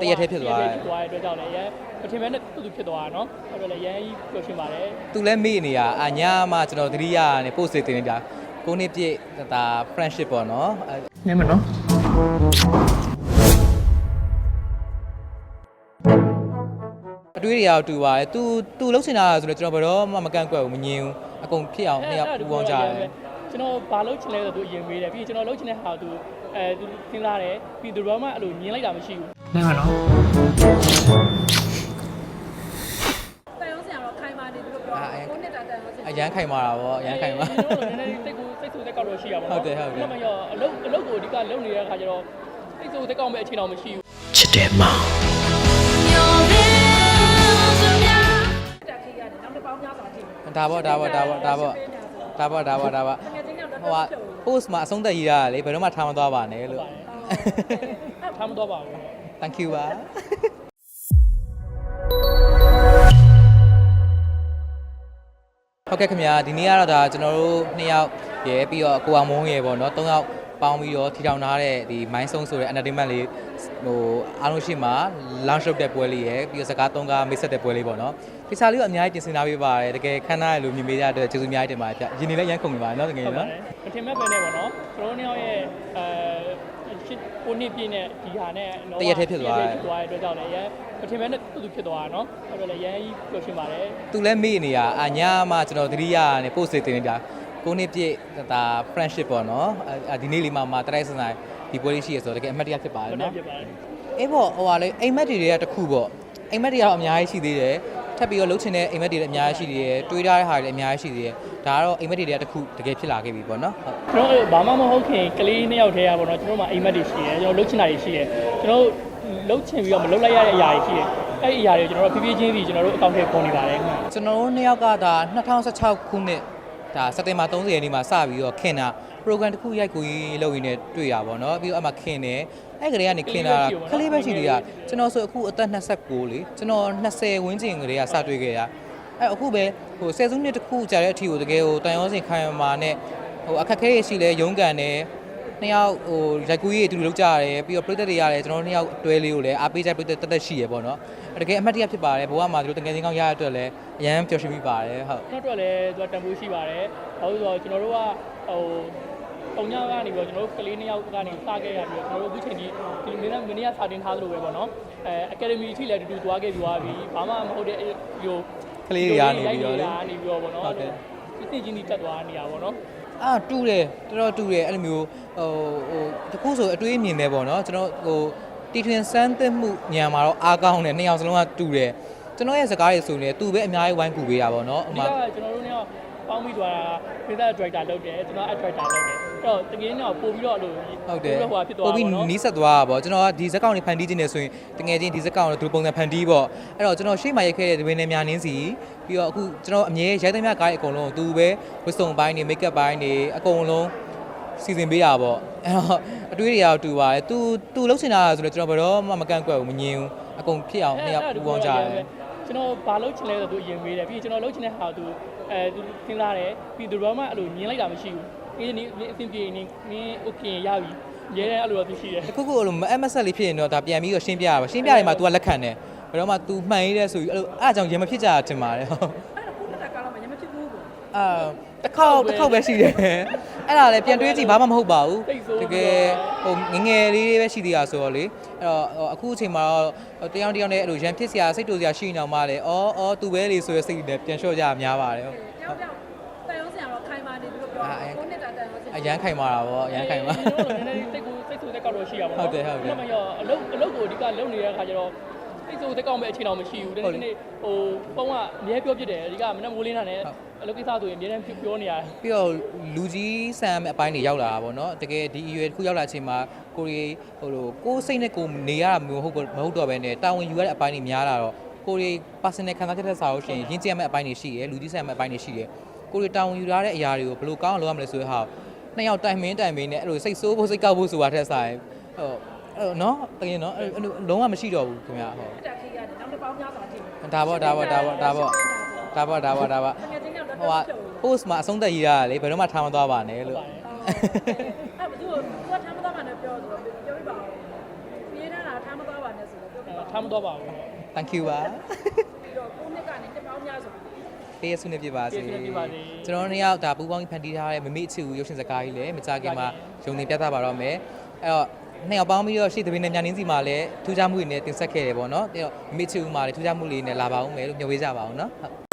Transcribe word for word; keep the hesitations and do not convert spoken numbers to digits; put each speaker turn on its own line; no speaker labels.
ရက်ထဲဖြစ်သွားတယ်
ဖြစ်သွားတဲ့အတွက်ကြောင့်လည်းရန်မထင်မဲ့နဲ့သူသူဖြစ်သွားတာနော်အဲ့တော့လည်းရန်ကြီးပြောရှင်းပါတယ်
သူလည်းမေ့နေရအညာမှကျွန်တော်သတိရနေ post တင်နေတာကိုနှစ်ပြည့်ဒါ friendship ပေါ့နော်
နင်းမနော်
အတွေးတွေရောက်တူပါတယ်။ तू तू လှုပ်ချင်တာဆိုတော့ကျွန်တော်ဘယ်တော့မှမကန့်ကွက်ဘူးမငြင်းဘူး။အကုန်ဖြစ်အောင်နှစ်ယောက်ပူပေါင်းကြတယ်
။ကျွန်တော်ဘာလှုပ်ချင်လဲဆိုတော့ तू အရင်မေးတယ်ပြီးကျွန်တော်လှုပ်ချင်တဲ့ဟာ तू အဲ तू သင်လာတယ်ပြီး तू တော့မှအဲ့လိုညင်းလိုက်တာမရှိဘူး။နင်းမနော်
တန်ရုံးစရာတော့ခိုင်မာနေပြီလို့ပြောတယ်ကိုနှစ်တာတန်ရုံးစရာ
အရန်ခိုင်မာတာပေါ့အရန်ခိုင်မာ
ကျွန်တော်တို့နည်းနည်းစိတ်ကိုစိတ်ဆူစိတ်ကောက်လို့ရှိရပါတော့
ဟုတ်တယ်ဟုတ်တယ်
။ဒါမှမဟုတ်အလုပ်အလုပ်ကိုအဓိကလုပ်နေတဲ့အခါကျတော့စိတ်ဆူစိတ်ကောက်မဲ့အခြေတော်မရှိဘူး
။ချစ်တယ်မောင်ဒါပေါ့ဒါပေါ့ဒါပေါ့ဒါပေါ့ဒါပေါ့ဒါပေါ့ဒါပေါ့ဟိုက post မှာအဆုံးသက်ရေးရတယ်လေဘယ်တော့မှထားမသွားပါနဲ့လို့
ထားမသွားပါဘူး
thank you ပါဟုတ်ကဲ့ခင်ဗျာဒီနေ့ကတော့ဒါကျွန်တော်တို့နှစ်ယောက်ရယ်ပြီးတော့ကိုအောင်မုန်းရယ်ပေါ့နော်သုံးယောက်ပေါင်းပြီးတော့ထီထောင်ထားတဲ့ဒီ mind song ဆိုတဲ့ entertainment လေးဟိုအားလုံးရှိမှာ launch လုပ်တဲ့ပွဲလေးရယ်ပြီးတော့စကားသုံးကားမိတ်ဆက်တဲ့ပွဲလေးပေါ့နော်ဒီစာလေးကိုအများကြီးတင်ဆက်ပေးပါတယ်တကယ်ခမ်းနားရလို့မြင်ပေးရတဲ့ကျေးဇူးအများကြီးတင်ပါတယ်ဗျရင်းနေလည်းရမ်းခုန်နေပါတယ်နော်တကယ်နော်
မထင်မဲ့ပဲနဲ့ပေါ့နော်ကျွန်တော်တို့ရဲ့အဲရှစ်ကိုနှစ်ပြည့်နဲ့ဒီဟာနဲ့
တရက်ထဲဖြစ်သွားတယ်
ဖြစ်သွားတဲ့အတွက်ကြောင့်လည်းရန်မထင်မဲ့နဲ့သူသူဖြစ်သွားတာနော်အဲ့တော့လည်းရန်ကြီးပြောရှင်းပါတယ်
သူလည်းမေ့နေရအညာမှကျွန်တော်သတိရနေ post တင်နေတာကိုနှစ်ပြည့်ဒါ friendship ပေါ့နော်ဒီနေ့လေးမှမှတရိုက်စနိုင်ဒီပွဲလေးရှိရဆိုတော့တကယ်အမှတ်တရဖြစ်ပါတယ်နော်အေးပေါ့ဟိုဟာလေအိမ်မက်တွေတွေကတခုပေါ့အိမ်မက်တွေကတော့အများကြီးရှိသေးတယ်ထပ်ပြီးတော့လှုပ်ချင်တဲ့အိမ်မက်တွေလည်းအများကြီးရှိသေးတယ်တွေးထားတဲ့ဟာတွေလည်းအများကြီးရှိသေးတယ်ဒါကတော့အိမ်မက်တွေကတခုတကယ်ဖြစ်လာခဲ့ပြီပေါ့နော်
ကျွန်တော်ဘာမှမဟုတ်ခင်ကလေးနှစ်ယောက်တည်းရပါတော့ကျွန်တော်မှအိမ်မက်တွေရှိတယ်ကျွန်တော်လှုပ်ချင်တာတွေရှိတယ်ကျွန်တော်လှုပ်ချင်ပြီးတော့မလှုပ်လိုက်ရတဲ့အရာတွေရှိတယ်အဲ့ဒီအရာတွေကျွန်တော်တို့ဖြည်းဖြည်းချင်းပြီးကျွန်တော်တို့အကောင့်ထဲပေါ်နေပါတယ်
ကျွန်တော်တို့နှစ်ယောက်ကဒါ၂၀၁၆ခုနှစ်ဒါစက်တင်ဘာ၃၀ရက်နေ့မှာစပြီးတော့ခင်တာ program တစ်ခုရိုက်ကိုရေးလုပ်ရင်းနဲ့တွေ့ရပါတော့ပြီးတော့အမှခင်တယ်အဲ့ကလေးကနေခင်တာခလေးပဲရှိသေးတာကျွန်တော်ဆိုအခုအသက်၂၉လေကျွန်တော်၂၀ဝန်းကျင်ကလေးကစတွေ့ခဲ့တာအဲ့အခုပဲဟိုဆယ်စုနှစ်တစ်ခုကြာတဲ့အထိကိုတကယ်ဟိုတန်ရုံးစင်ခိုင်မာနဲ့ဟိုအခက်ခဲရရှိလဲရုန်းကန်တယ်နှစ်ယောက်ဟိုရိုက်ကူးရေးအတူတူလုပ်ကြရတယ်ပြီးတော့ပြည်သက်တွေရတယ်ကျွန်တော်နှစ်ယောက်တွဲလေးကိုလည်းအားပေးကြပြည်သက်တက်တက်ရှိရပေါ့နော်တကယ်အမှတ်တရဖြစ်ပါတယ်ဘဝမှာဒီလိုတကယ်ချင်းကောင်းရတဲ့အတွက်လည်းအရန်ပျော်ရွှင်မိပါတယ်ဟုတ်
ကျွန်တော်တို့လည်းသူကတန်ဖိုးရှိပါတယ်ဘာလို့ဆိုတော့ကျွန်တော်တို့ကဟိုပုံညကနေပြီးတော့ကျွန်တော်တို့ကလေးနှစ်ယောက်ကနေစခဲ့ရပြီးတော့ကျွန်တော်တို့အခုချိန်ဒီဒီမင်းမင်းရစာတင်ထားသလိုပဲပေါ့နော်အဲအကယ်ဒမီအထိလည်းတူတူသွားခဲ့ပြီးသွားပြီဘာမှမဟုတ်တဲ့ဟို
ကလေးတွေရနေပြီးတော့လေ
နေပြီးတော့ပေါ့နော်ဟုတ်တယ်သိချင်းကြီးတက်သွားနေတာပေါ့နော်
အာတူတယ်တော်တော်တူတယ်အဲ့လိုမျိုးဟိုဟိုတခုဆိုအတွေးအမြင်ပဲပေါ့နော်ကျွန်တော်ဟိုတီထွင်စမ်းသစ်မှုညံမှာတော့အားကောင်းတယ်နှစ်ယောက်စလုံးကတူတယ်ကျွန်တော်ရဲ့စကားတွေဆိုရင်သူပဲအများကြီးဝိုင်းကူပေးတာပေါ့နော်
အမှကျွန်တော်တို့เนี่ยပေါင်းပြီးသွားတာဖေးသား director လုပ်တယ်ကျွန်တော် act director လုပ်တယ်အဲ့တော့တကယ်တော့ပို့ပြီးတော့အဲ့လို
ဟုတ်တယ်ပို့ပြီးနီးစပ်သွားတာပေါ့ကျွန်တော်ကဒီဇက်ကောင်တွေဖန်တီးခြင်းနေဆိုရင်တကယ်ချင်းဒီဇက်ကောင်တွေသူပုံစံဖန်တီးပေါ့အဲ့တော့ကျွန်တော်ရှေ့မှာရိုက်ခဲ့တဲ့ဒီဝင်းနေများနင်းစီပြီးတော့အခုကျွန်တော်အမြဲရိုက်သမျှကားတွေအကုန်လုံးသူပဲဝတ်စုံပိုင်းတွေ make up ပိုင်းတွေအကုန်လုံးစီစဉ်ပေးတာပေါ့အဲ့တော့အတွေးတွေရောက်တူပါတယ်သူသူလှုပ်ချင်တာဆိုတော့ကျွန်တော်ဘယ်တော့မှမကန့်ကွက်ဘူးမငြင်းဘူးအကုန်ဖြစ်အောင်နှစ်ယောက်ပူပေါင်းကြတယ်
ကျွန်တော်ဘာလှုပ်ချင်လဲဆိုတော့သူအရင်မေးတယ်ပြီးကျွန်တော်လှုပ်ချင်တဲ့ဟာ तू အဲ तू သင်လာတယ်ပြီး तू ဘာမှအဲ့လိုညင်းလိုက်တာမရှိဘူးအေးနေအဆင်ပြေနေနင်း okay ရပြီရဲတယ်အဲ့လိုတော့ရှိတယ်
အခုခုအဲ့လို M S လေးဖြစ်ရင်တော့ဒါပြန်ပြီးတော့ရှင်းပြရပါရှင်းပြရင်မှ तू ကလက်ခံတယ်ဘယ်တော့မှ तू မှန်ရတဲ့ဆိုပြီးအဲ့လိုအဲ့အကြောင်းရင်မဖြစ်ကြတာထင်ပါတယ်ဟုတ်
အဲ့တော့ခုနှစ်တာကားတော့မရင်မဖြစ်ဘူးပေါ့
အာတစ်ခေါက်တစ်ခေါက်ပဲရှိတယ်အဲ့ဒါလည်းပြန်တွေးကြည့်ဘာမှမဟုတ်ပါဘူးတကယ်ဟိုငငယ်လေးလေးပဲရှိသေးတာဆိုတော့လေအဲ့တော့အခုအချိန်မှာတော့တယောက်တယောက်နဲ့အဲ့လိုရန်ဖြစ်စရာစိတ်တူစရာရှိနေအောင်မလဲအော်အော်သူပဲလေဆိုရစိတ်နဲ့ပြန်လျှော့ကြရများပါတယ်ဟုတ်
တယောက်တယောက်တန်ရုံးစရာတော့ခိုင်မာနေပြီလို့ပြောတယ်ကိုနှစ်တာတန်ရုံးစရာ
အရန်ခိုင်မာတာပေါ့အရန်ခိုင်မာ
ကျွန်တော်တို့နည်းနည်းစိတ်ကိုစိတ်ဆူစိတ်ကောက်လို့ရှိရပါတော့
ဟုတ်တယ်ဟုတ်တယ်
ဒါမှမဟုတ်အလုပ်အလုပ်ကိုအဓိကလုပ်နေတဲ့အခါကျတော့စိတ်ဆူစိတ်ကောက်မဲ့အခြေတော်မရှိဘူးဒီနေ့ဟိုပုံကအများပြောပြတယ်အဓိကမနေ့မိုးလင်းတာနဲ့အလုပ်ကိစ္စဆိုရင်အများနဲ့ပြောနေရတယ်
ပြီးတော့လူကြီးဆန်အပိုင်းတွေရောက်လာတာပေါ့နော်တကယ်ဒီအရွယ်တစ်ခုရောက်လာချိန်မှာကိုရီဟိုလိုကိုစိတ်နဲ့ကိုနေရတာမျိုးဟုတ်မဟုတ်တော့ဘဲနဲ့တာဝန်ယူရတဲ့အပိုင်းတွေများလာတော့ကိုရီ personal ခံစားချက်တဲ့စာလို့ရှိရင်ရင်းကျက်မဲ့အပိုင်းတွေရှိတယ်လူကြီးဆန်မဲ့အပိုင်းတွေရှိတယ်ကိုရီတာဝန်ယူရတဲ့အရာတွေကိုဘယ်လိုကောင်းအောင်လုပ်ရမလဲဆိုတဲ့ဟာနှစ်ယောက်တိုင်မင်းတိုင်မင်းနဲ့အဲ့လိုစိတ်ဆိုးဖို့စိတ်ကောက်ဖို့ဆိုတာထက်ဆိုင်ဟိုအဲ့နော်တကယ်နော်လုံးဝမရှိတော့ဘူးခင်ဗျာဟုတ်
တက်ခေးရတယ်နောက်တစ်ပေါင်းများစွာထိ
ဒါပေါ့ဒါပေါ့ဒါပေါ့ဒါပေါ့ဒါပေါ့ဒါပေါ့ဒါပေါ့ဟိုက post မှာအဆုံးသက်ရေးရတယ်လေဘယ်တော့မှထားမသွားပါနဲ့လို့
အဲ့ဘယ်သူကထားမသွားပါနဲ့ပြောဆိုတော့ပြောပြပါဦးရေးနေတာထားမသွားပါနဲ့ဆိုတော့ပြောပြ
ထားမတော့ပါဘူး
thank you ပါ
ပြီးတော့ကိုနှစ်ကနေတစ်ပေါင်းများဆို
ပေးရဆုနေပြပါစေ
ကျေးဇူးတင်ပါစေ
ကျွန်တော်တို့နှစ်ယောက်ဒါပူပေါင်းဖန်တီးထားတဲ့မမေ့အချစ်ကိုရုပ်ရှင်စကားကြီးလည်းမကြခင်မှာရုံနေပြသပါတော့မယ်အဲ့တော့နှစ်ယောက်ပေါင်းပြီးတော့ရှေ့သဘင်နဲ့ညာနင်းစီမှာလည်းထူးခြားမှုတွေနဲ့တင်ဆက်ခဲ့တယ်ပေါ့နော်ပြီးတော့မမေ့အချစ်ဦးမှာလည်းထူးခြားမှုလေးနဲ့လာပါဦးမယ်လို့မျှော်ပေးကြပါအောင်နော်